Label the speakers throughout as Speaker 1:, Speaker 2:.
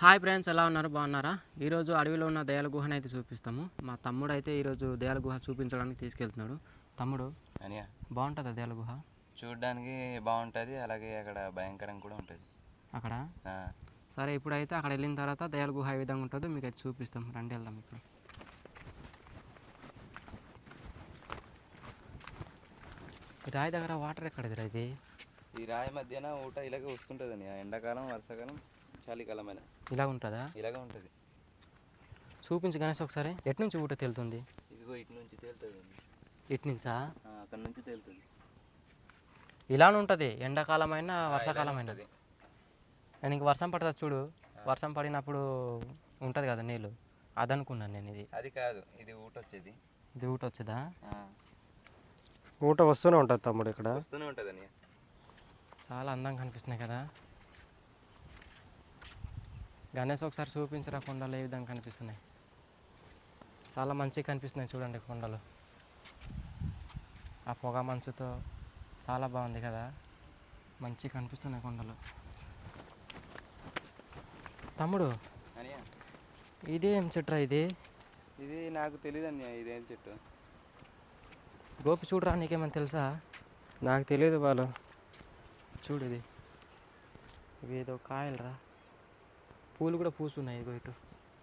Speaker 1: Hi friends, ఎలా ఉన్నారు? బాగున్నారా? ఈరోజు అడవిలో ఉన్న దయాల గుహను అయితే చూపిస్తాము. మా తమ్ముడు అయితే ఈరోజు దయాల గుహ చూపించడానికి తీసుకెళ్తున్నాడు. తమ్ముడు,
Speaker 2: అనియా
Speaker 1: బాగుంటుందా దయాల గుహ?
Speaker 2: చూడడానికి బాగుంటుంది, అలాగే అక్కడ భయంకరంగా కూడా ఉంటుంది
Speaker 1: అక్కడ సరే, ఇప్పుడైతే అక్కడ వెళ్ళిన తర్వాత దయాల గుహ ఏ విధంగా ఉంటుందో మీకు అయితే చూపిస్తాం. రండి, వెళ్దాం. ఇప్పుడు రాయి దగ్గర వాటర్ ఎక్కడది? ఇది
Speaker 2: ఈ రాయి మధ్యన ఊట ఇలాగే వస్తుంటుంది అని, ఎండాకాలం, వర్షాకాలం, చలికాలం అయినా
Speaker 1: ఇలా ఉంటుందా?
Speaker 2: ఇలాగే ఉంటుంది.
Speaker 1: చూపించి గణేష్ ఒకసారి. ఎటు నుంచి ఊట తేలుతుంది?
Speaker 2: ఇదిగో ఇటు నుంచి తేలుతుంది.
Speaker 1: ఇటు నుంచా?
Speaker 2: అక్కడ నుంచి తేలుతుంది.
Speaker 1: ఇలానే ఉంటుంది ఎండాకాలం అయినా వర్షాకాలం అయినా. నేను ఇంక వర్షం పడుతుంది చూడు, వర్షం పడినప్పుడు ఉంటుంది కదా నీళ్ళు, అదనుకున్నాను నేను. ఇది
Speaker 2: అది కాదు, ఇది ఊట వచ్చేది.
Speaker 1: ఇది ఊట వచ్చేదా?
Speaker 3: ఊట వస్తూనే ఉంటుంది తమ్ముడు, ఇక్కడ
Speaker 2: వస్తూనే ఉంటుంది అని.
Speaker 1: చాలా అందంగా కనిపిస్తున్నాయి కదా గణేష్, ఒకసారి చూపించరా కొండలు ఏ విధంగా కనిపిస్తున్నాయి. చాలా మంచిగా కనిపిస్తున్నాయి చూడండి కొండలు. ఆ పొగ మంచుతో చాలా బాగుంది కదా, మంచిగా కనిపిస్తున్నాయి కొండలు. తమ్ముడు, ఇదేం చెట్టురా?
Speaker 2: ఇది నాకు తెలియదు అన్నయ్య, ఇదేం చెట్టు.
Speaker 1: గోపి చూడరా, నీకేమైనా తెలుసా?
Speaker 3: నాకు తెలియదు బాలు.
Speaker 1: చూడు, ఇవి ఏదో కాయలరా, పూలు కూడా పూసున్నాయి. ఇదిగో ఇటు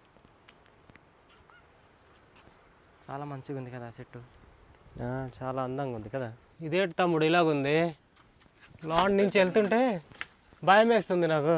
Speaker 1: చాలా మంచిగా ఉంది కదా చెట్టు.
Speaker 3: చాలా అందంగా ఉంది కదా. ఇదేంటి తమ్ముడు ఇలాగుంది? లాండ్ నుంచి వెళ్తుంటే భయం వేస్తుంది నాకు.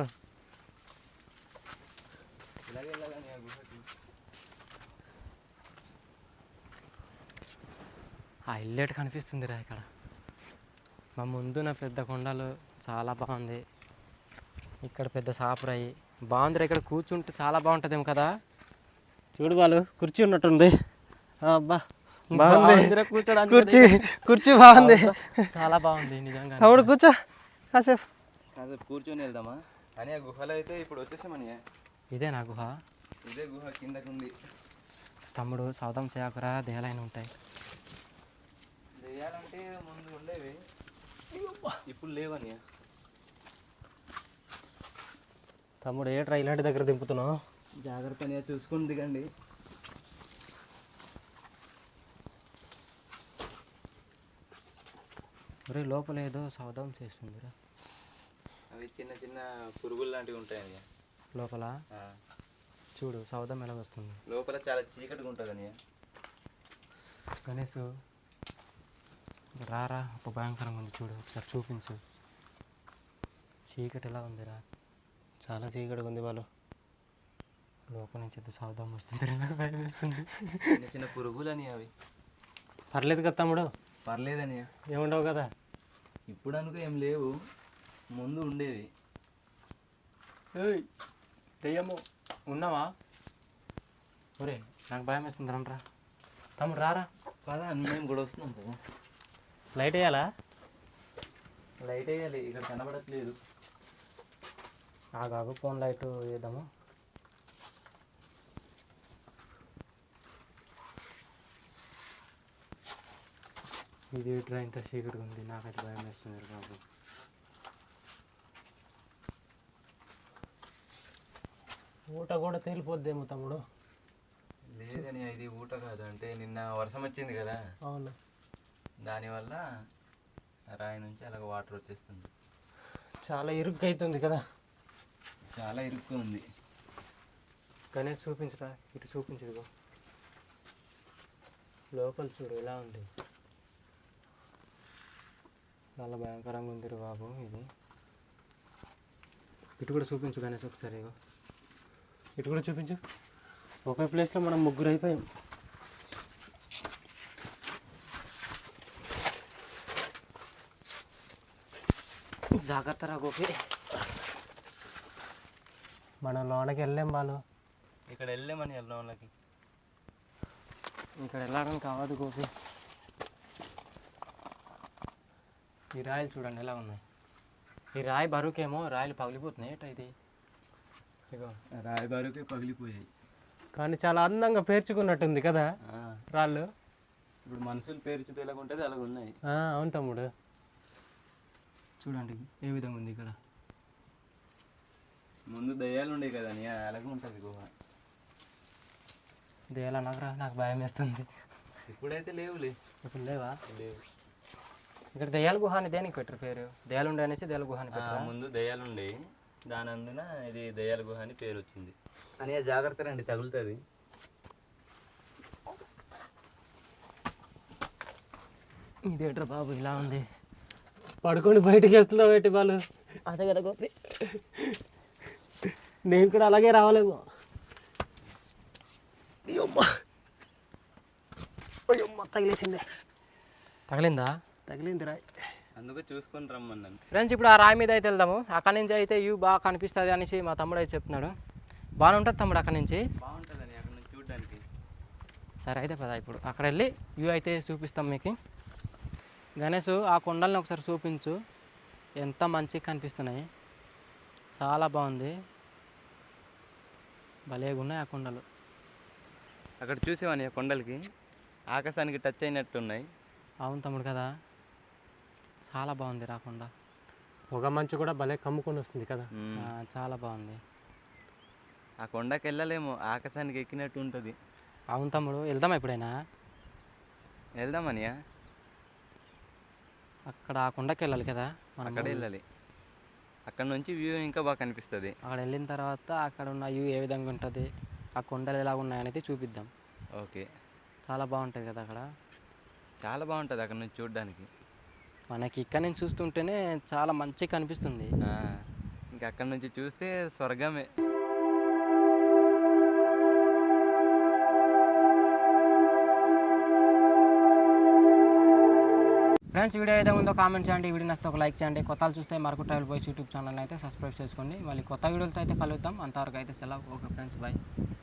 Speaker 1: హైలైట్ కనిపిస్తుందిరా ఇక్కడ. మా ముందున పెద్ద కొండలు, చాలా బాగుంది. ఇక్కడ పెద్ద సాపురాయి బాగుందిరా. ఇక్కడ కూర్చుంటే చాలా బాగుంటుందేమో కదా.
Speaker 3: చూడు బాలు, కుర్చీ ఉన్నట్టుంది. అబ్బా బాగుంది, కూర్చోడానికి కుర్చీ బాగుంది,
Speaker 1: చాలా బాగుంది నిజంగా.
Speaker 3: తమ్ముడు కూర్చో, కాసేపు
Speaker 2: కూర్చొని వెళ్దామా అని. ఆ గుహలో అయితే ఇప్పుడు వచ్చేసామని.
Speaker 1: ఇదే నా గుహ?
Speaker 2: ఇదే గుహ, కిందకు ఉంది.
Speaker 1: తమ్ముడు సౌదం చేయకురా, దేహాలైన ఉంటాయి.
Speaker 2: దెయ్యాలంటే ముందు ఉండేవి, ఇప్పుడు లేవని.
Speaker 3: తమ్ముడు ఏట్రా ఇలాంటి దగ్గర దింపుతున్నావు?
Speaker 2: జాగ్రత్తగా చూసుకొని దిగండి.
Speaker 1: ఒరే, లోపల ఏదో సౌదం చేస్తుందిరా.
Speaker 2: అవి చిన్న చిన్న పురుగులు లాంటివి ఉంటాయి
Speaker 1: లోపల. చూడు సౌదం ఎలా వస్తుంది.
Speaker 2: లోపల చాలా చీకటిగా ఉంటుందని.
Speaker 1: గణేష్ రారా, ఒక భయంకరంగా ఉంది చూడు, ఒకసారి చూపించు. చీకటి ఎలా ఉందిరా?
Speaker 3: చాలా చీకటిగా ఉంది వాళ్ళు.
Speaker 1: లోపల నుంచి అయితే సౌదం వస్తుంది, నాకు భయం వేస్తుంది.
Speaker 2: చిన్న చిన్న పురుగులని అవి.
Speaker 3: పర్లేదు కదా తమ్ముడు?
Speaker 2: పర్లేదని.
Speaker 3: ఏముండవు కదా
Speaker 2: ఇప్పుడు అనుకో ఏం లేవు, ముందు ఉండేవి.
Speaker 1: దెయ్యము ఉన్నావా? ఒరే, నాకు భయం వేస్తుంది, రండ్రా. తమ్ముడు రారా.
Speaker 2: కదా మేము కూడా వస్తున్నాం కదా.
Speaker 3: లైట్ వేయాలా?
Speaker 2: లైట్ వేయాలి, ఇక్కడ కనబడట్లేదు.
Speaker 1: ఆగాగు, ఫోన్ లైట్ వేద్దాము. ఇది ఇట్లా ఇంత చీకటిగా ఉంది, నాకైతే భయం వేస్తుంది బాబు.
Speaker 3: ఊట కూడా తేలిపోద్దేమో తమ్ముడు.
Speaker 2: లేదని, ఇది ఊట కాదు. అంటే నిన్న వర్షం వచ్చింది కదా.
Speaker 3: అవును,
Speaker 2: దానివల్ల రాయి నుంచి అలాగ వాటర్ వచ్చేస్తుంది.
Speaker 3: చాలా ఇరుగ్గా అవుతుంది కదా.
Speaker 2: చాలా ఇరుక్కు ఉంది.
Speaker 1: గణేష్ చూపించరా, ఇటు చూపించు. లోపల చూడు ఎలా ఉంది, చాలా భయంకరంగా ఉంది బాబు. ఇది ఇటు కూడా చూపించు గణేష్ ఒకసారి.
Speaker 3: ఇటు కూడా చూపించు. ఒకే ప్లేస్లో మనం ముగ్గురు అయిపోయాం.
Speaker 1: జాగ్రత్త రా గోపి,
Speaker 3: మనం లోనకి వెళ్ళాం వాళ్ళు.
Speaker 2: ఇక్కడ వెళ్ళామని వాళ్ళకి.
Speaker 1: ఇక్కడ వెళ్ళడానికి కావద్దు గోపి. ఈ రాయలు చూడండి ఎలా ఉన్నాయి. ఈ రాయి బరువుకేమో రాయలు పగిలిపోతున్నాయి. ఏట ఇది? ఇగో
Speaker 2: రాయి బరువుకే పగిలిపోయాయి.
Speaker 3: కానీ చాలా అందంగా పేర్చుకున్నట్టుంది కదా రాళ్ళు.
Speaker 2: ఇప్పుడు మనుషులు పేర్చితే ఎలాగ ఉంటుంది అలాగ ఉన్నాయి.
Speaker 3: అవును తమ్ముడు,
Speaker 1: చూడండి ఏ విధంగా ఉంది ఇక్కడ.
Speaker 2: ముందు దయ్యాలు ఉండే కదా నీ అలాగే ఉంటుంది గుహ.
Speaker 1: దేలా నాకు భయం వేస్తుంది.
Speaker 2: ఇప్పుడైతే లేవులే.
Speaker 1: ఇప్పుడు లేవా?
Speaker 2: లేవు.
Speaker 1: ఇక్కడ దెయ్యాల గుహ అని దేనికి పెట్టరు పేరు? దెయ్యాలు ఉండే అనేసి దెయ్యాల గుహ అని పెట్టారు.
Speaker 2: ముందు దయ్యాలు ఉండే, దాని అందున ఇది దయ్యాల గుహ అని పేరు వచ్చింది. అని జాగ్రత్త రండి, తగులుతుంది.
Speaker 1: ఇదేట్రా బాబు ఇలా ఉంది?
Speaker 3: పడుకొని బయటికి వేస్తున్నావు ఏంటి వాళ్ళు?
Speaker 1: అదే కదా గోపి,
Speaker 3: నేను కూడా అలాగే రావాలేమో. తగిలేసిందే.
Speaker 1: తగిలిందా?
Speaker 3: తగిలింది రాయ్.
Speaker 2: అందుకే చూసుకొని రమ్మన్నాను.
Speaker 1: ఫ్రెండ్స్ ఇప్పుడు ఆ రాయి మీద అయితే వెళ్దాము. అక్కడి నుంచి అయితే వ్యూ బాగా కనిపిస్తుంది అనేసి మా తమ్ముడు అయితే చెప్తున్నాడు. బాగానే ఉంటుంది తమ్ముడు అక్కడి నుంచి.
Speaker 2: బాగుంటుందని అక్కడ నుంచి చూడడానికి.
Speaker 1: సరే అయితే పద ఇప్పుడు అక్కడ వెళ్ళి వ్యూ అయితే చూపిస్తాం మీకు. గణేష్ ఆ కొండల్ని ఒకసారి చూపించు, ఎంత మంచిగా కనిపిస్తున్నాయి. చాలా బాగుంది, భలేగా ఉన్నాయి ఆ కొండలు.
Speaker 2: అక్కడ చూసేవాని కొండలకి ఆకాశానికి టచ్ అయినట్టు ఉన్నాయి.
Speaker 1: అవును తమ్ముడు కదా, చాలా బాగుంది రా కొండ.
Speaker 3: పొగ మంచు కూడా భలే కమ్ముకొని వస్తుంది కదా.
Speaker 1: చాలా బాగుంది.
Speaker 2: ఆ కొండకి వెళ్ళలేము, ఆకాశానికి ఎక్కినట్టు ఉంటుంది.
Speaker 1: అవును తమ్ముడు, వెళ్దామా ఎప్పుడైనా?
Speaker 2: వెళ్దామనియా,
Speaker 1: అక్కడ ఆ కొండకి వెళ్ళాలి కదా మనం.
Speaker 2: అక్కడ వెళ్ళాలి. అక్కడ నుంచి వ్యూ ఇంకా బాగా కనిపిస్తుంది.
Speaker 1: అక్కడ వెళ్ళిన తర్వాత అక్కడ ఉన్న వ్యూ ఏ విధంగా ఉంటుంది, ఆ కొండలు ఎలా ఉన్నాయనేది చూపిద్దాం.
Speaker 2: ఓకే.
Speaker 1: చాలా బాగుంటుంది కదా అక్కడ.
Speaker 2: చాలా బాగుంటుంది అక్కడ నుంచి చూడడానికి.
Speaker 1: మనకి ఇక్కడ నుంచి చూస్తుంటేనే చాలా మంచిగా కనిపిస్తుంది.
Speaker 2: ఇంకా అక్కడ నుంచి చూస్తే స్వర్గమే.
Speaker 1: ఫ్రెండ్స్ వీడియో ఏదో ఉందో కామెంట్ చేయండి, వీడియో నచ్చితే ఒక లైక్ చేయండి. కొత్తలు చూస్తే మరకు ట్రావెల్ బాయ్స్ యూట్యూబ్ ఛానల్ అయితే సబ్స్క్రైబ్ చేసుకోండి. మళ్ళీ కొత్త వీడియోలతో అయితే కలుద్దాం. అంతవరకు అయితే సెలవు. Okay friends, bye.